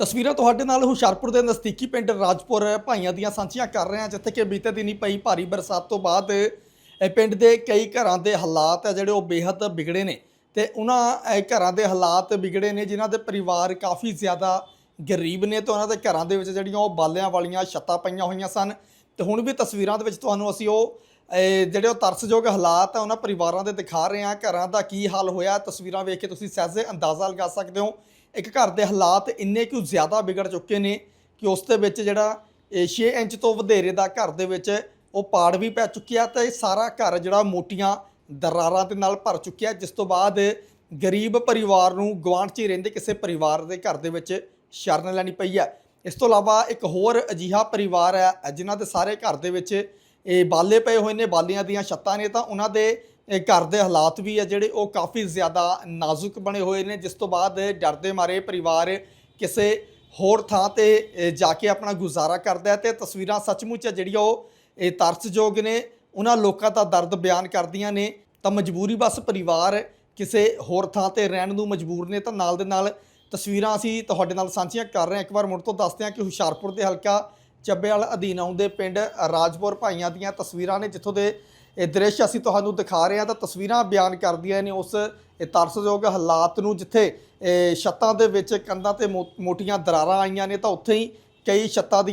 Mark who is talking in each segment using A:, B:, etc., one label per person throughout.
A: ਤਸਵੀਰਾਂ ਤੁਹਾਡੇ ਨਾਲ ਹੁਸ਼ਿਆਰਪੁਰ ਦੇ ਨਜ਼ਦੀਕੀ ਪਿੰਡ ਰਾਜਪੁਰ ਭਾਈਆਂ ਦੀਆਂ ਸਾਂਝੀਆਂ ਕਰ ਰਹੇ ਹਾਂ, ਜਿੱਥੇ ਕਿ ਬੀਤੇ ਦਿਨੀ ਪਈ ਭਾਰੀ ਬਰਸਾਤ ਤੋਂ ਬਾਅਦ ਪਿੰਡ ਦੇ ਕਈ ਘਰਾਂ ਦੇ ਹਾਲਾਤ ਹੈ ਜਿਹੜੇ ਉਹ ਬੇਹੱਦ ਵਿਗੜੇ ਨੇ ਤੇ ਉਹਨਾਂ ਘਰਾਂ ਦੇ ਹਾਲਾਤ ਵਿਗੜੇ ਨੇ ਜਿਨ੍ਹਾਂ ਦੇ ਪਰਿਵਾਰ ਕਾਫੀ ਜ਼ਿਆਦਾ ਗਰੀਬ ਨੇ ਤੇ ਉਹਨਾਂ ਦੇ ਘਰਾਂ ਦੇ ਵਿੱਚ ਜਿਹੜੀਆਂ ਉਹ ਬਾਲਿਆਂ ਵਾਲੀਆਂ ਛੱਤਾਂ ਪਈਆਂ ਹੋਈਆਂ ਸਨ। ਤੇ ਹੁਣ ਵੀ ਤਸਵੀਰਾਂ ਦੇ ਵਿੱਚ ਤੁਹਾਨੂੰ ਅਸੀਂ ਉਹ ਜਿਹੜੇ ਉਹ ਤਰਸਯੋਗ ਹਾਲਾਤ ਆ ਉਹਨਾਂ ਪਰਿਵਾਰਾਂ ਦੇ ਦਿਖਾ ਰਹੇ ਹਾਂ। ਘਰਾਂ ਦਾ ਕੀ ਹਾਲ ਹੋਇਆ, ਤਸਵੀਰਾਂ ਵੇਖ ਕੇ ਤੁਸੀਂ ਸਹਿਜੇ ਅੰਦਾਜ਼ਾ ਲਗਾ ਸਕਦੇ ਹੋ। ਇੱਕ ਘਰ ਦੇ ਹਾਲਾਤ ਇੰਨੇ ਕੁ ਜ਼ਿਆਦਾ ਵਿਗੜ ਚੁੱਕੇ ਨੇ ਕਿ ਉਸ ਦੇ ਵਿੱਚ ਜਿਹੜਾ 6 ਇੰਚ ਤੋਂ ਵਧੇਰੇ ਦਾ ਘਰ ਦੇ ਵਿੱਚ ਉਹ ਪਾੜ ਵੀ ਪੈ ਚੁੱਕਿਆ ਤੇ ਸਾਰਾ ਘਰ ਜਿਹੜਾ ਮੋਟੀਆਂ ਦਰਾਰਾਂ ਦੇ ਨਾਲ ਭਰ ਚੁੱਕਿਆ, ਜਿਸ ਤੋਂ ਬਾਅਦ ਗਰੀਬ ਪਰਿਵਾਰ ਨੂੰ ਗੁਆਂਢ 'ਚ ਹੀ ਰਹਿੰਦੇ ਕਿਸੇ ਪਰਿਵਾਰ ਦੇ ਘਰ ਦੇ ਵਿੱਚ ਸ਼ਰਨ ਲੈਣੀ ਪਈ ਹੈ। ਇਸ ਤੋਂ ਇਲਾਵਾ ਇੱਕ ਹੋਰ ਅਜਿਹਾ ਪਰਿਵਾਰ ਹੈ ਜਿਨ੍ਹਾਂ ਦੇ ਸਾਰੇ ਘਰ ਦੇ ਵਿੱਚ ਇਹ ਬਾਲੇ ਪਏ ਹੋਏ ਨੇ, ਬਾਲੀਆਂ ਦੀਆਂ ਛੱਤਾਂ ਨੇ, ਤਾਂ ਉਹਨਾਂ ਦੇ ਘਰ ਦੇ ਹਾਲਾਤ ਵੀ ਆ ਜਿਹੜੇ ਉਹ ਕਾਫੀ ਜ਼ਿਆਦਾ ਨਾਜ਼ੁਕ ਬਣੇ ਹੋਏ ਨੇ, ਜਿਸ ਤੋਂ ਬਾਅਦ ਡਰ ਦੇ ਮਾਰੇ ਪਰਿਵਾਰ ਕਿਸੇ ਹੋਰ ਥਾਂ ਤੇ ਜਾ ਕੇ ਆਪਣਾ ਗੁਜ਼ਾਰਾ ਕਰਦਾ ਹੈ। ਤੇ ਤਸਵੀਰਾਂ ਸੱਚਮੁੱਚ ਜਿਹੜੀਆਂ ਉਹ ਇਹ ਤਰਸਯੋਗ ਨੇ, ਉਹਨਾਂ ਲੋਕਾਂ ਦਾ ਦਰਦ ਬਿਆਨ ਕਰਦੀਆਂ ਨੇ। ਤਾਂ ਮਜਬੂਰੀ ਬਸ ਪਰਿਵਾਰ ਕਿਸੇ ਹੋਰ ਥਾਂ ਤੇ ਰਹਿਣ ਨੂੰ ਮਜਬੂਰ ਨੇ। ਤਾਂ ਨਾਲ ਦੇ ਨਾਲ ਤਸਵੀਰਾਂ ਅਸੀਂ ਤੁਹਾਡੇ ਨਾਲ ਸਾਂਝੀਆਂ ਕਰ ਰਹੇ ਹਾਂ। ਇੱਕ ਵਾਰ ਮੁੜ ਤੋਂ ਦੱਸਦੇ ਹਾਂ ਕਿ ਹੁਸ਼ਿਆਰਪੁਰ ਦੇ ਹਲਕਾ ਚੱਬੇਵਾਲ ਅਧੀਨ ਆਉਂਦੇ ਪਿੰਡ ਰਾਜਪੁਰ ਭਾਈਆਂ ਦੀਆਂ ਤਸਵੀਰਾਂ ਨੇ, ਜਿੱਥੋਂ ਦੇ ਇਹ ਦ੍ਰਿਸ਼ ਅਸੀਂ ਤੁਹਾਨੂੰ ਦਿਖਾ ਰਹੇ ਹਾਂ। ਤਾਂ ਤਸਵੀਰਾਂ ਬਿਆਨ ਕਰਦੀਆਂ ਨੇ ਉਸ ਤਰਸਯੋਗ ਹਾਲਾਤ ਨੂੰ, ਜਿੱਥੇ ਛੱਤਾਂ ਦੇ ਵਿੱਚ ਕੰਧਾਂ ਤੇ ਮੋਟੀਆਂ ਦਰਾਰਾਂ ਆਈਆਂ ਨੇ, ਤਾਂ ਉੱਥੇ ਹੀ ਕਈ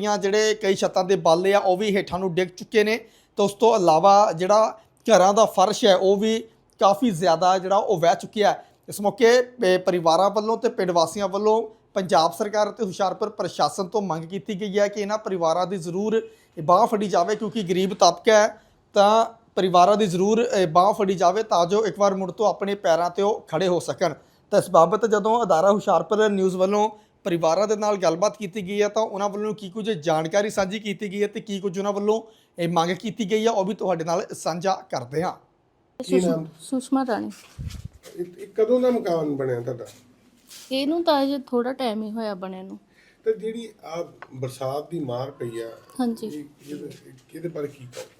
A: ਛੱਤਾਂ ਦੇ ਬਾਲੇ ਆ ਉਹ ਵੀ ਹੇਠਾਂ ਨੂੰ ਡਿੱਗ ਚੁੱਕੇ ਨੇ। ਤਾਂ ਉਸ ਤੋਂ ਇਲਾਵਾ ਜਿਹੜਾ ਘਰਾਂ ਦਾ ਫਰਸ਼ ਹੈ ਉਹ ਵੀ ਕਾਫੀ ਜ਼ਿਆਦਾ ਜਿਹੜਾ ਉਹ ਵਹਿ ਚੁੱਕਿਆ ਹੈ। ਇਸ ਮੌਕੇ ਪਰਿਵਾਰਾਂ ਵੱਲੋਂ ਤੇ ਪਿੰਡ ਵਾਸੀਆਂ ਵੱਲੋਂ ਪੰਜਾਬ ਸਰਕਾਰ ਅਤੇ ਹੁਸ਼ਿਆਰਪੁਰ ਪ੍ਰਸ਼ਾਸਨ ਤੋਂ ਮੰਗ ਕੀਤੀ ਗਈ ਹੈ ਕਿ ਇਹਨਾਂ ਪਰਿਵਾਰਾਂ ਦੀ ਜ਼ਰੂਰ ਬਾਂਹ ਫੜੀ ਜਾਵੇ, ਕਿਉਂਕਿ ਗਰੀਬ ਤਬਕਾ ਹੈ। ਤਾਂ ਪਰਿਵਾਰਾਂ ਦੀ ਜ਼ਰੂਰ ਬਾਂਹ ਫੜੀ ਜਾਵੇ ਤਾਂ ਜੋ ਇੱਕ ਵਾਰ ਮੁੜ ਤੋਂ ਆਪਣੇ ਪੈਰਾਂ 'ਤੇ ਉਹ ਖੜੇ ਹੋ ਸਕਣ। ਤਾਂ ਇਸ ਬਾਬਤ ਜਦੋਂ ਅਦਾਰਾ ਹੁਸ਼ਿਆਰਪੁਰ ਨਿਊਜ਼ ਵੱਲੋਂ ਪਰਿਵਾਰਾਂ ਦੇ ਨਾਲ ਗੱਲਬਾਤ ਕੀਤੀ ਗਈ ਹੈ ਤਾਂ ਉਹਨਾਂ ਵੱਲੋਂ ਕੀ ਕੁਝ ਜਾਣਕਾਰੀ ਸਾਂਝੀ ਕੀਤੀ ਗਈ ਹੈ ਤੇ ਕੀ ਕੁਝ ਉਹਨਾਂ ਵੱਲੋਂ ਇਹ ਮੰਗ ਕੀਤੀ ਗਈ ਹੈ ਉਹ ਵੀ ਤੁਹਾਡੇ ਨਾਲ ਸਾਂਝਾ ਕਰਦੇ ਹਾਂ।
B: ਸੁਸ਼ਮਾ ਰਾਣੀ।
C: ਇਹ ਕਦੋਂ ਦਾ ਮਕਾਨ ਬਣਿਆ ਤੁਹਾਡਾ?
B: ਇਹਨੂੰ ਤਾਂ ਅਜੇ ਥੋੜਾ ਟਾਈਮ ਹੀ ਹੋਇਆ ਬਣੇ ਨੂੰ।
C: ਤੇ ਜਿਹੜੀ ਆ ਬਰਸਾਤ ਦੀ ਮਾਰ ਪਈ ਆ,
B: ਹਾਂਜੀ,
C: ਇਹਦੇ ਬਾਰੇ ਕੀ ਕਹੋ?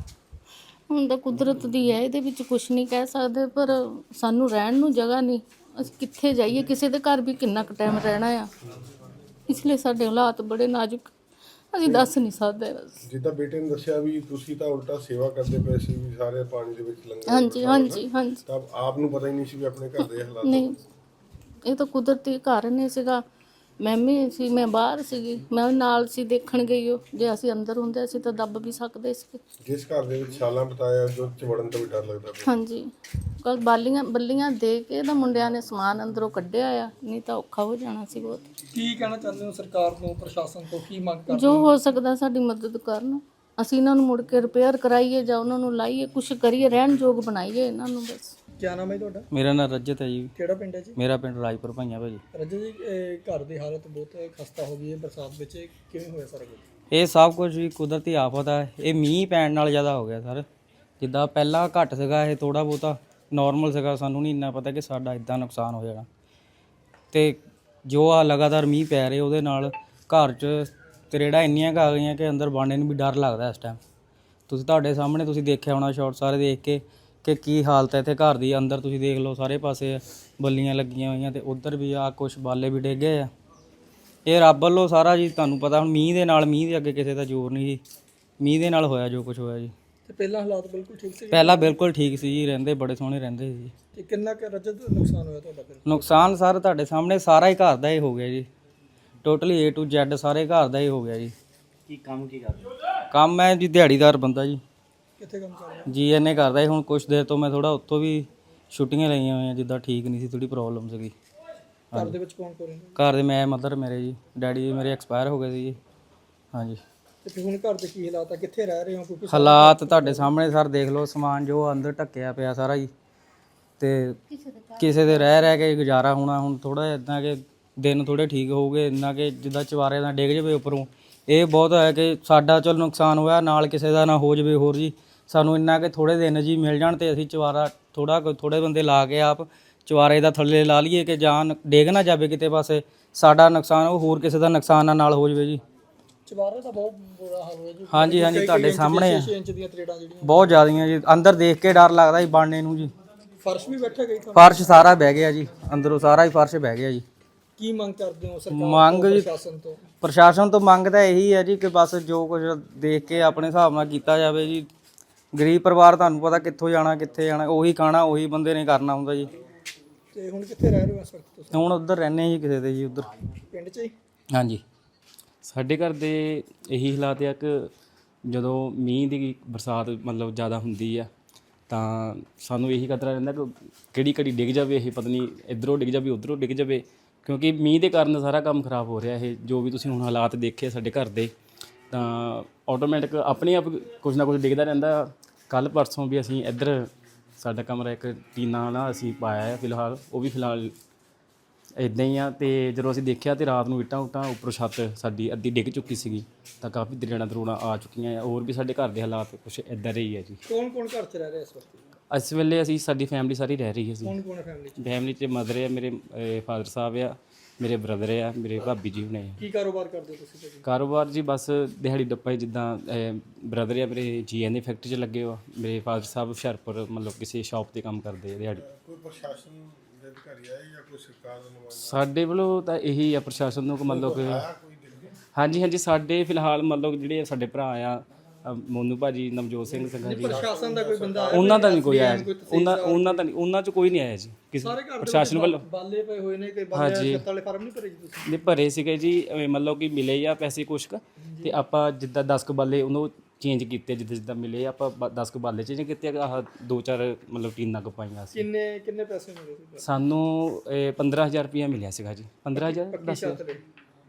B: ਹੁਣ ਤਾਂ ਕੁਦਰਤ ਦੀ ਹੈ, ਇਹਦੇ ਵਿੱਚ ਕੁਝ ਨਹੀਂ ਕਹਿ ਸਕਦੇ, ਪਰ ਸਾਨੂੰ ਰਹਿਣ ਨੂੰ ਜਗ੍ਹਾ ਨਹੀਂ। ਅਸੀਂ ਕਿੱਥੇ ਜਾਈਏ? ਕਿਸੇ ਦੇ ਘਰ ਵੀ ਕਿੰਨਾ ਕੁ ਟਾਈਮ ਰਹਿਣਾ ਆ, ਇਸ ਲਈ ਸਾਡੇ ਹਾਲਾਤ ਬੜੇ ਨਾਜ਼ੁਕ, ਅਸੀਂ ਦੱਸ ਨਹੀਂ ਸਕਦੇ। ਬਸ
C: ਜਿੱਦਾਂ ਬੇਟੇ ਨੇ ਦੱਸਿਆ ਵੀ ਤੁਸੀਂ ਤਾਂ ਉਲਟਾ ਸੇਵਾ ਕਰਦੇ ਪਏ ਸੀ, ਵੀ ਸਾਰੇ ਪਾਣੀ ਦੇ ਵਿੱਚ ਲੰਘੇ।
B: ਹਾਂਜੀ ਹਾਂਜੀ ਹਾਂਜੀ।
C: ਤਾਂ ਆਪ ਨੂੰ ਪਤਾ ਹੀ ਨਹੀਂ ਸੀ ਵੀ ਆਪਣੇ ਘਰ ਦੇ ਹਾਲਾਤ।
B: ਨਹੀਂ, ਇਹ ਤਾਂ ਕੁਦਰਤੀ ਕਾਰਨ ਹੀ ਸੀਗਾ। ਮੈਂ ਵੀ ਸੀ, ਮੈਂ ਬਾਹਰ ਸੀਗੀ, ਮੈਂ ਨਾਲ ਸੀ, ਦੇਖਣ ਗਈ। ਉਹ ਜੇ ਅਸੀਂ ਅੰਦਰ ਹੁੰਦੇ ਅਸੀਂ ਤਾਂ ਦੱਬ ਵੀ ਸਕਦੇ ਸੀ।
C: ਜਿਸ ਘਰ ਦੇ ਵਿੱਚ ਸਾਲਾਂ ਬਿਤਾਇਆ ਜੋ ਚ ਵੜਨ ਤੋਂ ਵੀ ਡਰ ਲੱਗਦਾ ਪਿਆ।
B: ਹਾਂਜੀ, ਕੱਲ ਬੱਲੀਆਂ ਦੇ ਕੇ ਤਾਂ ਮੁੰਡਿਆਂ ਨੇ ਸਮਾਨ ਅੰਦਰੋਂ ਕੱਢਿਆ ਆ, ਨਹੀਂ ਤਾਂ ਔਖਾ ਹੋ ਜਾਣਾ ਸੀ ਬਹੁਤ।
A: ਕੀ ਕਹਿਣਾ ਚਾਹੁੰਦੇ ਹੋ ਸਰਕਾਰ ਤੋਂ, ਪ੍ਰਸ਼ਾਸਨ ਤੋਂ ਕੀ ਮੰਗ ਕਰਦੇ
B: ਜੋ ਹੋ ਸਕਦਾ ਸਾਡੀ ਮਦਦ ਕਰਨ, ਅਸੀਂ ਇਹਨਾਂ ਨੂੰ ਮੁੜ ਕੇ ਰਿਪੇਅਰ ਕਰਾਈਏ ਜਾਂ ਉਹਨਾਂ ਨੂੰ ਲਾਈਏ, ਕੁਛ ਕਰੀਏ, ਰਹਿਣ ਯੋਗ ਬਣਾਈਏ ਇਹਨਾਂ ਨੂੰ। ਬਸ।
A: ਕੀ ਨਾਮ ਹੈ ਤੁਹਾਡਾ?
D: ਮੇਰਾ ਨਾਮ ਰਜਤ ਹੈ ਜੀ।
A: ਕਿਹੜਾ ਪਿੰਡ ਹੈ ਜੀ?
D: ਮੇਰਾ ਪਿੰਡ ਰਾਜਪੁਰ ਭਾਈਆਂ ਭਾਜੀ।
A: ਰਜਤ ਜੀ, ਘਰ ਦੀ ਹਾਲਤ ਬਹੁਤ ਖਸਤਾ ਹੋ ਗਈ ਹੈ ਬਰਸਾਤ ਵਿੱਚ, ਕਿਵੇਂ ਹੋਇਆ ਸਾਰਾ ਕੁਝ?
D: ਇਹ ਸਭ ਕੁਝ ਵੀ ਕੁਦਰਤੀ ਆਫਤ ਹੈ। ਇਹ ਮੀਂਹ ਪੈਣ ਨਾਲ ਜ਼ਿਆਦਾ ਹੋ ਗਿਆ ਸਰ। ਜਿੱਦਾਂ ਪਹਿਲਾਂ ਘੱਟ ਸੀਗਾ, ਇਹ ਥੋੜਾ ਬਹੁਤਾ ਨਾਰਮਲ ਸੀਗਾ, ਸਾਨੂੰ ਨਹੀਂ ਇੰਨਾ ਪਤਾ ਕਿ ਸਾਡਾ ਇਦਾਂ ਨੁਕਸਾਨ ਹੋ ਜਾਣਾ। ਤੇ ਜੋ ਆ ਲਗਾਤਾਰ ਮੀਂਹ ਪੈ ਰਹੇ ਉਹਦੇ ਨਾਲ ਘਰ 'ਚ ਤਰੇੜਾਂ ਇੰਨੀਆਂ ਕੁ ਆ ਗਈਆਂ ਕਿ ਅੰਦਰ ਬਾਣੇ ਨੂੰ ਵੀ ਡਰ ਲੱਗਦਾ ਇਸ ਟਾਈਮ। ਤੁਹਾਡੇ ਸਾਹਮਣੇ ਤੁਸੀਂ ਦੇਖਿਆ ਹੋਣਾ ਸ਼ਾਟ ਸਾਰੇ ਦੇਖ ਕੇ ਕਿ ਕੀ ਹਾਲਤ ਹੈ ਇੱਥੇ ਘਰ ਦੀ। ਅੰਦਰ ਤੁਸੀਂ ਦੇਖ ਲਓ, ਸਾਰੇ ਪਾਸੇ ਬੱਲੀਆਂ ਲੱਗੀਆਂ ਹੋਈਆਂ ਤੇ ਉੱਧਰ ਵੀ ਆ ਕੁਛ ਬਾਲੇ ਵੀ ਡਿੱਗ ਗਏ ਆ। ਇਹ ਰੱਬ ਵੱਲੋਂ ਸਾਰਾ ਜੀ, ਤੁਹਾਨੂੰ ਪਤਾ ਹੁਣ ਮੀਂਹ ਦੇ ਅੱਗੇ ਕਿਸੇ ਦਾ ਜ਼ੋਰ ਨਹੀਂ ਜੀ। ਮੀਂਹ ਦੇ ਨਾਲ ਹੋਇਆ ਜੋ ਕੁਝ ਹੋਇਆ ਜੀ।
A: ਤੇ ਪਹਿਲਾਂ ਹਾਲਾਤ ਬਿਲਕੁਲ ਠੀਕ ਸੀ?
D: ਪਹਿਲਾਂ ਬਿਲਕੁਲ ਠੀਕ ਸੀ ਜੀ, ਰਹਿੰਦੇ ਬੜੇ ਸੋਹਣੇ ਰਹਿੰਦੇ ਸੀ ਜੀ।
A: ਤੇ ਕਿੰਨਾ ਕੁ ਰਜਤ ਨੁਕਸਾਨ ਹੋਇਆ ਤੁਹਾਡਾ ਫਿਰ?
D: ਨੁਕਸਾਨ ਸਰ ਤੁਹਾਡੇ ਸਾਹਮਣੇ ਸਾਰਾ ਹੀ ਘਰ ਦਾ ਹੀ ਹੋ ਗਿਆ ਜੀ। ਟੋਟਲੀ A to Z ਸਾਰੇ ਘਰ ਦਾ ਹੀ ਹੋ ਗਿਆ ਜੀ। ਕੀ ਕਰਦੇ? ਕੰਮ ਹੈ ਜੀ ਦਿਹਾੜੀਦਾਰ ਬੰਦਾ ਜੀ।
A: ਕਿੱਥੇ ਕੰਮ ਕਰ ਰਹੇ?
D: GNA ਕਰਦਾ ਸੀ। ਹੁਣ ਕੁਛ ਦੇਰ ਤੋਂ ਮੈਂ ਥੋੜਾ ਉੱਥੋਂ ਵੀ ਛੁੱਟੀਆਂ ਲਈਆਂ ਹੋਈਆਂ, ਜਿੱਦਾਂ ਠੀਕ ਨਹੀਂ ਸੀ, ਥੋੜੀ ਪ੍ਰੋਬਲਮ ਸੀਗੀ।
A: ਘਰ ਦੇ ਵਿੱਚ ਕੌਣ ਰਹਿੰਦਾ?
D: ਘਰ ਦੇ ਮੈਂ, ਮਦਰ ਮੇਰੇ ਜੀ, ਡੈਡੀ ਜੀ ਮੇਰੇ ਐਕਸਪਾਇਰ ਹੋ ਗਏ ਸੀ ਜੀ। ਹਾਂਜੀ।
A: ਤੇ ਫਿਰ ਹੁਣ ਘਰ ਦੇ ਕੀ ਹਾਲਾਤ ਆ, ਕਿੱਥੇ ਰਹਿ ਰਹੇ ਹੋ? ਕਿਉਂਕਿ
D: ਹਾਲਾਤ ਤੁਹਾਡੇ ਸਾਹਮਣੇ ਸਰ ਦੇਖ ਲਓ, ਸਮਾਨ ਜੋ ਅੰਦਰ ਢੱਕਿਆ ਪਿਆ ਸਾਰਾ ਜੀ। ਤੇ ਕਿਸੇ ਦੇ ਰਹਿ ਕੇ ਗੁਜ਼ਾਰਾ ਹੋਣਾ। ਹੁਣ ਥੋੜਾ ਜਿਹਾ ਇੱਦਾਂ ਕਿ ਦਿਨ ਥੋੜੇ ਠੀਕ ਹੋਊਗੇ, ਇੰਨਾ ਕਿ ਜਿੱਦਾਂ ਚਵਾਰੇ ਦਾ ਡਿੱਗ ਜਾਵੇ ਉੱਪਰੋਂ। ਇਹ ਬਹੁਤ ਹੈ ਕਿ ਸਾਡਾ ਚਲ ਨੁਕਸਾਨ ਹੋਇਆ, ਨਾਲ ਕਿਸੇ ਦਾ ਨਾ ਹੋ ਜਾਵੇ ਹੋਰ ਜੀ। ਸਾਨੂੰ ਇੰਨਾ ਕਿ ਥੋੜੇ ਦਿਨ ਜੀ ਮਿਲ ਜਾਣ ਤੇ ਅਸੀਂ ਚਵਾਰਾ ਥੋੜੇ ਬੰਦੇ ਲਾ ਕੇ ਆਪ ਚਵਾਰੇ ਦਾ ਥੱਲੇ ਲਾ ਲਈਏ ਕਿ ਜਾਨ ਡਿੱਗ ਨਾ ਜਾਵੇ ਕਿਤੇ ਪਾਸੇ। ਸਾਡਾ ਨੁਕਸਾਨ ਉਹ ਹੋਰ ਕਿਸੇ ਦਾ ਨੁਕਸਾਨ ਨਾਲ ਹੋ ਜਾਵੇ ਜੀ।
A: ਚਵਾਰੇ ਦਾ ਬਹੁਤ ਬੁਰਾ ਹਾਲ ਹੋਇਆ ਜੀ।
D: ਹਾਂਜੀ ਹਾਂਜੀ, ਤੁਹਾਡੇ ਸਾਹਮਣੇ
A: 6 ਇੰਚ ਦੀਆਂ ਤਰੇੜਾਂ ਜਿਹੜੀਆਂ
D: ਬਹੁਤ ਜ਼ਿਆਦੀਆਂ ਜੀ। ਅੰਦਰ ਦੇਖ ਕੇ ਡਰ ਲੱਗਦਾ ਜੀ ਬਾਣੇ ਨੂੰ ਜੀ।
A: ਫਰਸ਼ ਵੀ ਬੈਠਾ ਗਈ?
D: ਫਰਸ਼ ਸਾਰਾ ਬਹਿ ਗਿਆ ਜੀ, ਅੰਦਰੋਂ ਸਾਰਾ ਹੀ ਫਰਸ਼ ਬਹਿ ਗਿਆ ਜੀ।
A: ਕੀ ਮੰਗ ਕਰਦੇ ਹੋ ਸਰਕਾਰ
D: ਮੰਗ
A: ਤੋਂ,
D: ਜੀ-
A: ਪ੍ਰਸ਼ਾਸਨ ਤੋਂ?
D: ਪ੍ਰਸ਼ਾਸਨ ਤੋਂ ਮੰਗ ਤਾਂ ਇਹੀ ਹੈ ਜੀ ਕਿ ਬਸ ਜੋ ਕੁਝ ਦੇਖ ਕੇ ਆਪਣੇ ਹਿਸਾਬ ਨਾਲ ਕੀਤਾ ਜਾਵੇ ਜੀ। ਗਰੀਬ ਪਰਿਵਾਰ ਤੁਹਾਨੂੰ ਪਤਾ ਕਿੱਥੋਂ ਜਾਣਾ ਕਿੱਥੇ ਜਾਣਾ, ਉਹੀ ਖਾਣਾ ਉਹੀ ਬੰਦੇ ਨੇ ਕਰਨਾ ਹੁੰਦਾ ਜੀ।
A: ਤੇ ਹੁਣ ਕਿੱਥੇ ਰਹਿ ਰਹੇ ਹੋ ਇਸ ਵਕਤ ਤੁਸੀਂ?
D: ਹੁਣ ਉੱਧਰ ਰਹਿੰਦੇ ਜੀ ਕਿਸੇ ਦੇ ਜੀ ਉੱਧਰ।
A: ਪਿੰਡ 'ਚ ਹੀ?
D: ਹਾਂਜੀ।
E: ਸਾਡੇ ਘਰ ਦੇ ਇਹੀ ਹਾਲਾਤ ਆ ਕਿ ਜਦੋਂ ਮੀਂਹ ਦੀ ਬਰਸਾਤ ਮਤਲਬ ਜ਼ਿਆਦਾ ਹੁੰਦੀ ਆ ਤਾਂ ਸਾਨੂੰ ਇਹੀ ਖਤਰਾ ਰਹਿੰਦਾ ਕਿ ਕਿਹੜੀ ਘੜੀ ਡਿੱਗ ਜਾਵੇ, ਇਹ ਪਤਾ ਨਹੀਂ ਇੱਧਰੋਂ ਡਿੱਗ ਜਾਵੇ ਉੱਧਰੋਂ ਡਿੱਗ ਜਾਵੇ, ਕਿਉਂਕਿ ਮੀਂਹ ਦੇ ਕਾਰਨ ਸਾਰਾ ਕੰਮ ਖਰਾਬ ਹੋ ਰਿਹਾ। ਇਹ ਜੋ ਵੀ ਤੁਸੀਂ ਹੁਣ ਹਾਲਾਤ ਦੇਖੇ ਸਾਡੇ ਘਰ ਦੇ, ਤਾਂ ਆਟੋਮੈਟਿਕ ਆਪਣੇ ਆਪ ਕੁਝ ਨਾ ਕੁਝ ਡਿੱਗਦਾ ਰਹਿੰਦਾ। ਕੱਲ੍ਹ ਪਰਸੋਂ ਵੀ ਅਸੀਂ ਇੱਧਰ ਸਾਡਾ ਕਮਰਾ ਇੱਕ ਟੀਨਾ ਨਾਲ ਅਸੀਂ ਪਾਇਆ ਹੈ ਫਿਲਹਾਲ, ਉਹ ਵੀ ਫਿਲਹਾਲ ਇੱਦਾਂ ਹੀ ਆ। ਤੇ ਜਦੋਂ ਅਸੀਂ ਦੇਖਿਆ ਤੇ ਰਾਤ ਨੂੰ ਇੱਟਾਂ ਉੱਪਰੋਂ ਛੱਤ ਸਾਡੀ ਅੱਧੀ ਡਿੱਗ ਚੁੱਕੀ ਸੀਗੀ, ਤਾਂ ਕਾਫੀ ਦਰੋੜਾਂ ਆ ਚੁੱਕੀਆਂ ਆ। ਹੋਰ ਵੀ ਸਾਡੇ ਘਰ ਦੇ ਹਾਲਾਤ ਕੁਛ ਇੱਦਾਂ ਦੇ ਹੀ ਹੈ ਜੀ।
A: ਕੌਣ ਕੌਣ ਘਰ 'ਚ ਰਹਿ ਰਿਹਾ ਇਸ ਵਕਤ?
E: ਇਸ ਵੇਲੇ ਅਸੀਂ ਸਾਡੀ ਫੈਮਿਲੀ ਸਾਰੀ ਰਹਿ ਰਹੀ ਹੈ ਜੀ।
A: ਕੌਣ ਕੌਣ ਹੈ ਫੈਮਿਲੀ 'ਚ?
E: ਫੈਮਿਲੀ 'ਚ ਮਦਰ ਹੈ, ਮੇਰੇ ਫਾਦਰ ਸਾਹਿਬ ਆ, ਮੇਰੇ ਬ੍ਰਦਰ ਆ, ਮੇਰੇ ਭਾਬੀ ਜੀ ਹੁਣੇ ਆ।
A: ਕੀ ਕਾਰੋਬਾਰ ਕਰਦੇ ਹੋ ਤੁਸੀਂ ਭਾਜੀ?
E: ਕਾਰੋਬਾਰ ਜੀ ਬਸ ਦਿਹਾੜੀ ਡੱਪਾ ਹੀ, ਜਿੱਦਾਂ ਬ੍ਰਦਰ ਆ ਮੇਰੇ ਜੀਐਨ ਦੀ ਫੈਕਟਰੀ 'ਚ ਲੱਗੇ ਹੋ, ਮੇਰੇ ਫਾਦਰ ਸਾਹਿਬ ਹੁਸ਼ਿਆਰਪੁਰ ਮਤਲਬ ਕਿਸੇ ਸ਼ਾਪ ਤੇ ਕੰਮ ਕਰਦੇ ਆ ਦਿਹਾੜੀ।
C: ਕੋਈ ਪ੍ਰਸ਼ਾਸਨ ਦੇ ਅਧਿਕਾਰੀ ਆਏ ਜਾਂ ਕੋਈ ਸਰਕਾਰ ਦਾ ਨੁਮਾਇੰਦਾ
E: ਸਾਡੇ ਵੱਲੋਂ ਤਾਂ ਇਹੀ ਆ ਪ੍ਰਸ਼ਾਸਨ ਨੂੰ ਕਿ ਮਤਲਬ ਕਿ
C: ਕੋਈ ਦੇਖੇ?
E: ਹਾਂਜੀ ਸਾਡੇ ਫਿਲਹਾਲ ਮਤਲਬ ਜਿਹੜੇ ਸਾਡੇ ਭਰਾ ਆ ਮੋਨੂ ਭਾਜੀ, ਨਵਜੋਤ ਸਿੰਘ ਸੰਘਾ ਜੀ,
A: ਪ੍ਰਸ਼ਾਸਨ ਦਾ ਕੋਈ ਬੰਦਾ ਆਇਆ?
E: ਉਹਨਾਂ ਦਾ ਨਹੀਂ ਕੋਈ ਆਇਆ ਜੀ। ਉਹਨਾਂ 'ਚ ਕੋਈ ਨਹੀਂ ਆਇਆ ਜੀ ਕਿਸੇ
A: ਸਾਰੇ ਘਰ
E: ਪ੍ਰਸ਼ਾਸਨ ਵੱਲੋਂ।
A: ਬਾਲੇ ਪਏ ਹੋਏ ਨੇ, ਕੋਈ ਬਾਲੇ ਛੱਤ ਵਾਲੇ ਫਾਰਮ ਨਹੀਂ ਭਰੇ ਜੀ ਤੁਸੀਂ?
E: ਨੇ ਭਰੇ ਸੀਗੇ ਜੀ, ਮਤਲਬ ਕਿ ਮਿਲੇ ਆ ਪੈਸੇ ਕੁਛ ਕੁ, ਤੇ ਆਪਾਂ ਜਿੱਦਾਂ 10 ਕੁ ਬਾਲੇ ਉਹਨੂੰ ਚੇਂਜ ਕੀਤੇ, ਜਿੱਦਾਂ ਮਿਲੇ ਆਪਾਂ 10 ਕੁ ਬਾਲੇ ਚੇਂਜ ਕੀਤੇ, ਆਹ 2-4 ਮਤਲਬ ਟੀਨਾਂ ਕੁ ਪਾਈਆਂ ਸੀ।
A: ਕਿੰਨੇ ਪੈਸੇ ਮਿਲੇ ਸੀ?
E: ਸਾਨੂੰ 15,000 ਰੁਪਇਆ ਮਿਲਿਆ ਸੀਗਾ ਜੀ। 15,000
A: ਛੱਤ ਦੇ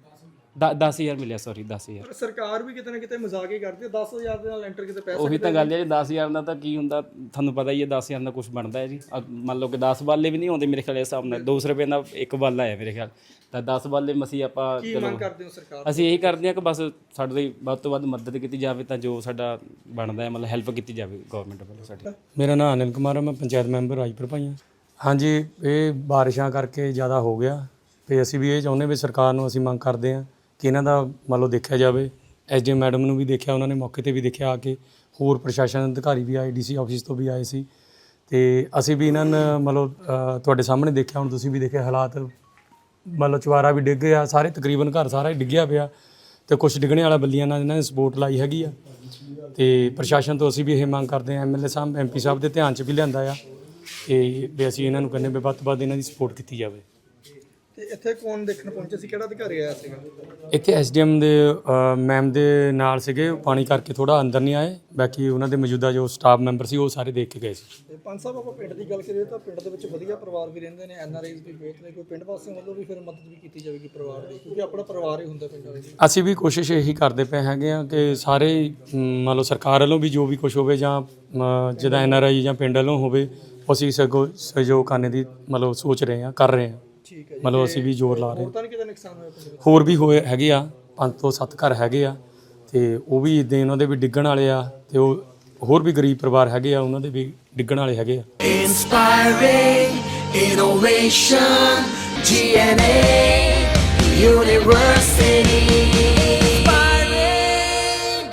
E: 10,000 ਮਿਲਿਆ, ਸੌਰੀ 10,000।
A: ਪਰ ਸਰਕਾਰ ਵੀ ਕਿਤੇ ਨਾ ਕਿਤੇ ਮਜ਼ਾਕ ਹੀ ਕਰਦੀ ਹੈ। 10,000 ਦੇ ਨਾਲ ਲੈਂਟਰ ਕਿਤੇ ਪੈਸੇ
E: ਉਹੀ ਤਾਂ ਗੱਲ ਹੈ ਜੀ, 10,000 ਦਾ ਤਾਂ ਕੀ ਹੁੰਦਾ ਤੁਹਾਨੂੰ ਪਤਾ ਹੀ ਹੈ। 10,000 ਦਾ ਕੁਝ ਬਣਦਾ ਹੈ ਜੀ। ਮੰਨ ਲਓ ਕਿ 10 ਬਾਲੇ ਵੀ ਨਹੀਂ ਆਉਂਦੇ ਮੇਰੇ ਖਿਆਲ, ਇਸ ਹਿਸਾਬ ਨਾਲ 200 ਰੁਪਏ ਦਾ ਇੱਕ ਬਾਲਾ ਹੈ ਮੇਰੇ ਖਿਆਲ, ਤਾਂ 10 ਬਾਲੇ ਮਸੀਂ ਆਪਾਂ
A: ਕੀ ਮੰਗ ਕਰਦੇ ਹੋ ਸਰਕਾਰ?
E: ਅਸੀਂ ਇਹੀ ਕਰਦੇ ਹਾਂ ਕਿ ਬਸ ਸਾਡੇ ਲਈ ਵੱਧ ਤੋਂ ਵੱਧ ਮਦਦ ਕੀਤੀ ਜਾਵੇ, ਤਾਂ ਜੋ ਸਾਡਾ ਬਣਦਾ ਹੈ ਮਤਲਬ ਹੈਲਪ ਕੀਤੀ ਜਾਵੇ ਗਵਰਨਮੈਂਟ ਵੱਲੋਂ ਸਾਡੀ।
F: ਮੇਰਾ ਨਾਮ ਅਨਿਲ ਕੁਮਾਰ ਹੈ, ਮੈਂ ਪੰਚਾਇਤ ਮੈਂਬਰ ਰਾਜਪੁਰ ਭਾਈਆਂ। ਹਾਂਜੀ, ਇਹ ਬਾਰਿਸ਼ਾਂ ਕਰਕੇ ਜ਼ਿਆਦਾ ਹੋ ਗਿਆ ਤੇ ਅਸੀਂ ਵੀ ਇਹ ਚਾਹੁੰਦੇ ਵੀ ਸਰਕਾਰ ਨੂੰ ਅਸੀਂ ਮੰਗ ਕਰਦੇ ਹਾਂ ਕਿ ਇਹਨਾਂ ਦਾ ਮੰਨ ਲਓ ਦੇਖਿਆ ਜਾਵੇ। ਐਸਡੀਐਮ ਮੈਡਮ ਨੂੰ ਵੀ ਦੇਖਿਆ, ਉਹਨਾਂ ਨੇ ਮੌਕੇ ਤੇ ਵੀ ਦੇਖਿਆ ਆ ਕੇ, ਹੋਰ ਪ੍ਰਸ਼ਾਸਨ ਅਧਿਕਾਰੀ ਵੀ ਆਏ, ਡੀਸੀ ਆਫਿਸ ਤੋਂ ਵੀ ਆਏ ਸੀ, ਤੇ ਅਸੀਂ ਵੀ ਇਹਨਾਂ ਨੂੰ ਮੰਨ ਲਓ ਤੁਹਾਡੇ ਸਾਹਮਣੇ ਦੇਖਿਆ, ਹੁਣ ਤੁਸੀਂ ਵੀ ਦੇਖਿਆ ਹਾਲਾਤ। ਮੰਨ ਲਓ ਚੁਬਾਰਾ ਵੀ ਡਿੱਗ ਗਿਆ, ਸਾਰੇ ਤਕਰੀਬਨ ਘਰ ਸਾਰਾ ਹੀ ਡਿੱਗਿਆ ਪਿਆ, ਤੇ ਕੁਝ ਡਿੱਗਣੇ ਵਾਲਾ ਬੱਲੀਆਂ ਨਾਲ ਇਹਨਾਂ ਨੇ ਸਪੋਰਟ ਲਾਈ ਹੈਗੀ ਆ। ਤੇ ਪ੍ਰਸ਼ਾਸਨ ਤੋਂ ਅਸੀਂ ਵੀ ਇਹ ਮੰਗ ਕਰਦੇ ਹਾਂ, ਐਮਐਲਏ ਸਾਹਿਬ ਐਮਪੀ ਸਾਹਿਬ ਦੇ ਧਿਆਨ 'ਚ ਵੀ ਲਿਆਂਦਾ ਆ, ਤੇ ਵੀ ਅਸੀਂ ਇਹਨਾਂ ਨੂੰ ਕਹਿੰਦੇ ਵੀ ਵੱਧ ਤੋਂ ਵੱਧ ਇਹਨਾਂ ਦੀ ਸਪੋਰਟ ਕੀਤੀ ਜਾਵੇ।
A: ਤੇ ਇੱਥੇ ਕੌਣ ਦੇਖਣ ਪਹੁੰਚੇ ਸੀ? ਕਿਹੜਾ ਅਧਿਕਾਰੀ ਆਇਆ ਸੀਗਾ
F: ਇੱਥੇ ਐਸਡੀਐਮ ਦੇ ਮੈਮ ਦੇ ਨਾਲ ਸੀਗੇ, ਪਾਣੀ ਕਰਕੇ ਥੋੜਾ ਅੰਦਰ ਨਹੀਂ ਆਏ, ਬਾਕੀ ਉਹਨਾਂ ਦੇ ਮੌਜੂਦਾ ਜੋ ਸਟਾਫ ਮੈਂਬਰ ਸੀ ਉਹ ਸਾਰੇ ਦੇਖ ਕੇ ਗਏ ਸੀ।
A: ਤੇ ਪੰਜ ਸਾਹਿਬ, ਆਪਾਂ ਪਿੰਡ ਦੀ ਗੱਲ ਕਰੀਏ ਤਾਂ ਪਿੰਡ ਦੇ ਵਿੱਚ ਵਧੀਆ ਪਰਿਵਾਰ ਵੀ ਰਹਿੰਦੇ ਨੇ, ਐਨਆਰਆਈਜ਼ ਵੀ ਬਹੁਤ ਨੇ। ਕੋਈ ਪਿੰਡ ਵਾਸੀਆਂ ਵੱਲੋਂ ਵੀ ਫਿਰ ਮਦਦ ਵੀ ਕੀਤੀ ਜਾਵੇਗੀ ਪਰਿਵਾਰ ਦੀ, ਕਿਉਂਕਿ ਆਪਣਾ ਪਰਿਵਾਰ ਹੀ ਹੁੰਦਾ ਪਿੰਡ ਵਿੱਚ।
F: ਅਸੀਂ ਵੀ ਕੋਸ਼ਿਸ਼ ਇਹੀ ਕਰਦੇ ਪਏ ਹੈਗੇ ਆ ਕਿ ਸਾਰੇ ਮੰਨ ਲਓ ਸਰਕਾਰ ਵੱਲੋਂ ਵੀ ਜੋ ਵੀ ਕੁਝ ਹੋਵੇ, ਜਾਂ ਜਿੱਦਾਂ ਐਨਆਰਆਈ ਜਾਂ ਪਿੰਡ ਵੱਲੋਂ ਹੋਵੇ, ਅਸੀਂ ਸਹਿਯੋਗ ਕਰਨੇ ਦੀ ਮਤਲਬ ਸੋਚ ਰਹੇ ਹਾਂ, ਕਰ ਰਹੇ ਹਾਂ।
A: ਠੀਕ ਹੈ ਜੀ।
F: ਮਤਲਬ ਅਸੀਂ ਵੀ ਜ਼ੋਰ ਲਾ ਰਹੇ ਹਾਂ।
A: ਹੋਰ ਤਾਂ ਨਹੀਂ ਕਿਤੇ ਨੁਕਸਾਨ ਹੋਇਆ ਪਿੰਡ ਵਿੱਚ?
F: ਹੋਰ ਵੀ ਹੋਏ ਹੈਗੇ ਆ, 5 ਤੋਂ 7 ਘਰ ਹੈਗੇ ਆ, ਤੇ ਉਹ ਵੀ ਇੱਦਾਂ ਉਹਨਾਂ ਦੇ ਵੀ ਡਿੱਗਣ ਵਾਲੇ ਆ, ਤੇ ਉਹ ਹੋਰ ਵੀ ਗਰੀਬ ਪਰਿਵਾਰ ਹੈਗੇ ਆ, ਉਹਨਾਂ ਦੇ ਵੀ ਡਿੱਗਣ ਵਾਲੇ ਹੈਗੇ ਆ।
G: Inspiring innovation, GNA University.